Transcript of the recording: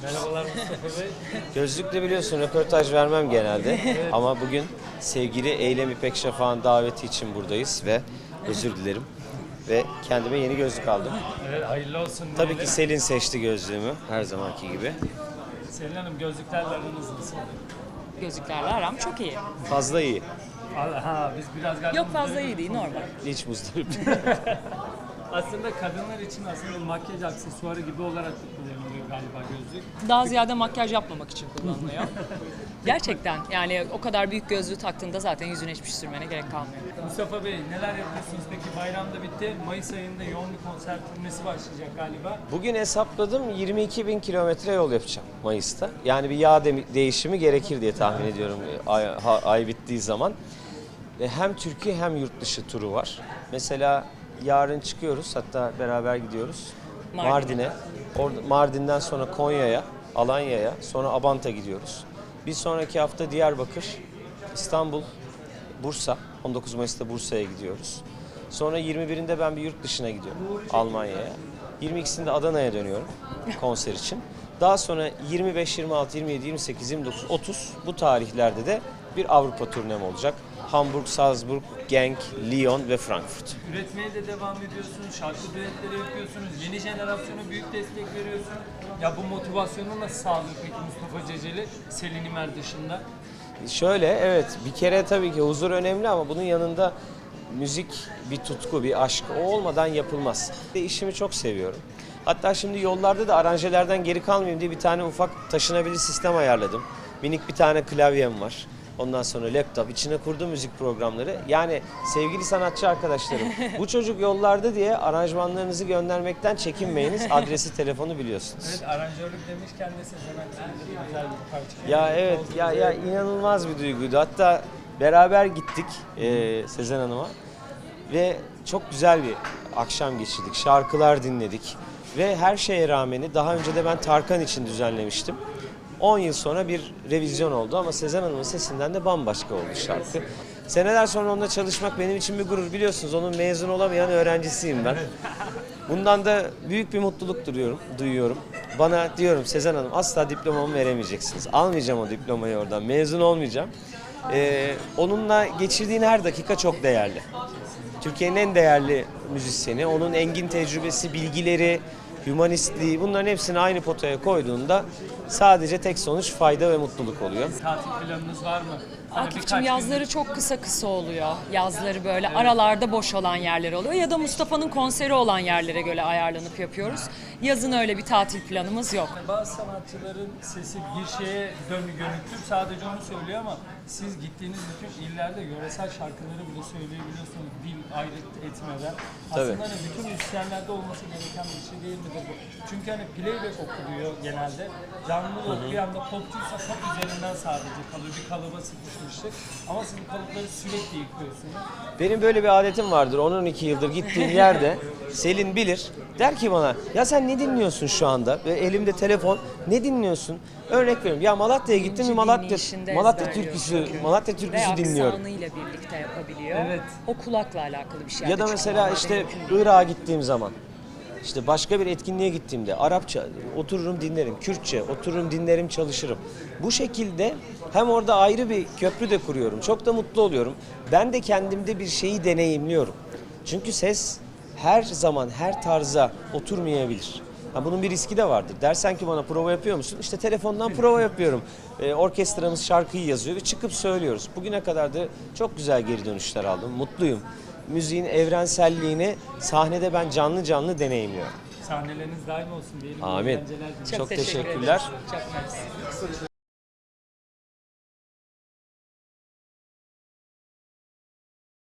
Merhabalar Mustafa Bey. Gözlükle biliyorsun röportaj vermem genelde ama bugün sevgili Eylem İpek Şafak'ın daveti için buradayız ve özür dilerim ve kendime yeni gözlük aldım. Evet, hayırlı olsun. Tabii ki Selin seçti gözlüğümü her zamanki gibi. Selin Hanım, gözlüklerle aranız nasıl? Gözlüklerle aram çok iyi. Fazla iyi, Ha, biz biraz galiba... Yok fazla iyi değil, normal. hiç muzdarip. Aslında kadınlar için aslında makyaj aksesuarı gibi olarak da kullanılıyor galiba gözlük. Daha ziyade makyaj yapmamak için kullanılıyor. Gerçekten yani o kadar büyük gözlüğü taktığında zaten yüzüne hiçbir şey sürmene gerek kalmıyor. Mustafa Bey, neler yapıyorsunuz peki? Bayram da bitti. Mayıs ayında yoğun bir konser turnesi başlayacak galiba. Bugün hesapladım 22 bin kilometre yol yapacağım Mayıs'ta. Yani bir yağ değişimi gerekir diye tahmin ediyorum ay bittiği zaman. Hem Türkiye hem yurt dışı turu var. Mesela yarın çıkıyoruz, hatta beraber gidiyoruz Mardin'e. Mardin'den sonra Konya'ya, Alanya'ya, sonra Abant'a gidiyoruz. Bir sonraki hafta Diyarbakır, İstanbul, Bursa. 19 Mayıs'ta Bursa'ya gidiyoruz. Sonra 21'inde ben bir yurt dışına gidiyorum, Almanya'ya. 22'sinde Adana'ya dönüyorum konser için. Daha sonra 25, 26, 27, 28, 29, 30 bu tarihlerde de bir Avrupa turnem olacak. Hamburg, Salzburg, Genk, Lyon ve Frankfurt. Üretmeye de devam ediyorsunuz, şarkı düetleri yapıyorsunuz, yeni jenerasyona büyük destek veriyorsunuz. Ya bu motivasyonu nasıl sağlıyor peki Mustafa Ceceli, Selin İmer dışında? Şöyle, evet, bir kere tabii ki huzur önemli ama bunun yanında müzik bir tutku, bir aşk. O olmadan yapılmaz. İşimi çok seviyorum. Hatta şimdi yollarda da aranjelerden geri kalmayayım diye bir tane ufak taşınabilir sistem ayarladım. Minik bir tane klavyem var. Ondan sonra laptop, içine kurduğum müzik programları. Yani sevgili sanatçı arkadaşlarım, bu çocuk yollarda diye aranjmanlarınızı göndermekten çekinmeyiniz. Adresi, telefonu biliyorsunuz. Evet, aranjörlük demişken de Sezen Aksu'nun güzel bir parça. Ya evet, ya inanılmaz bir duyguydu. Hatta beraber gittik Sezen Hanım'a ve çok güzel bir akşam geçirdik. Şarkılar dinledik ve her şeye rağmeni daha önce de ben Tarkan için düzenlemiştim. 10 yıl sonra bir revizyon oldu ama Sezen Hanım'ın sesinden de bambaşka oldu şarkı. Seneler sonra onunla çalışmak benim için bir gurur, biliyorsunuz. Onun mezun olamayan öğrencisiyim ben. Bundan da büyük bir mutluluk duyuyorum. Bana diyorum, Sezen Hanım, asla diplomamı veremeyeceksiniz. Almayacağım o diplomayı oradan, mezun olmayacağım. Onunla geçirdiğin her dakika çok değerli. Türkiye'nin en değerli müzisyeni, onun engin tecrübesi, bilgileri, hümanistliği, bunların hepsini aynı potaya koyduğunda sadece tek sonuç fayda ve mutluluk oluyor. Tatil planınız var mı? Hani Akif'cim yazları çok kısa oluyor. Yazları böyle aralarda boş olan yerler oluyor. Ya da Mustafa'nın konseri olan yerlere göre ayarlanıp yapıyoruz. Yazın öyle bir tatil planımız yok. Bazı sanatçıların sesi bir şeye dönüktür, sadece onu söylüyor ama siz gittiğiniz bütün illerde yöresel şarkıları bile söyleyebiliyorsunuz dil ayrıt etmeden. Aslında hani bütün müzisyenlerde olması gereken bir şey değil midir bu? Çünkü hani playback okuluyor genelde. Canlı bir anda popçuysa pop üzerinden sadece kalıyor. Bir kalıba sıkışmıştık. Ama siz bu kalıpları sürekli yıkıyorsunuz. Benim böyle bir adetim vardır. 12 yıldır gittiğim yerde Selin bilir. Der ki bana, ya sen ne dinliyorsun şu anda? Ve elimde telefon, ne dinliyorsun? Örnek veriyorum. Ya Malatya'ya gittim mi Malatya türküsü dinliyorum. Ve aksanıyla birlikte yapabiliyor. Evet. O kulakla alakalı bir şey. Ya da mesela işte Irak'a gittiğim zaman, işte başka bir etkinliğe gittiğimde Arapça otururum dinlerim, Kürtçe otururum dinlerim, çalışırım. Bu şekilde hem orada ayrı bir köprü de kuruyorum. Çok da mutlu oluyorum. Ben de kendimde bir şeyi deneyimliyorum. Çünkü ses her zaman her tarza oturmayabilir. Bunun bir riski de vardır. Dersen ki bana prova yapıyor musun? İşte telefondan prova yapıyorum. Orkestramız şarkıyı yazıyor ve çıkıp söylüyoruz. Bugüne kadar da çok güzel geri dönüşler aldım. Mutluyum. Müziğin evrenselliğini sahnede ben canlı canlı deneyimliyorum. Sahneleriniz daim olsun diyelim. Amin. Eğlenceler diliyorum. Çok teşekkürler. Çok mersi.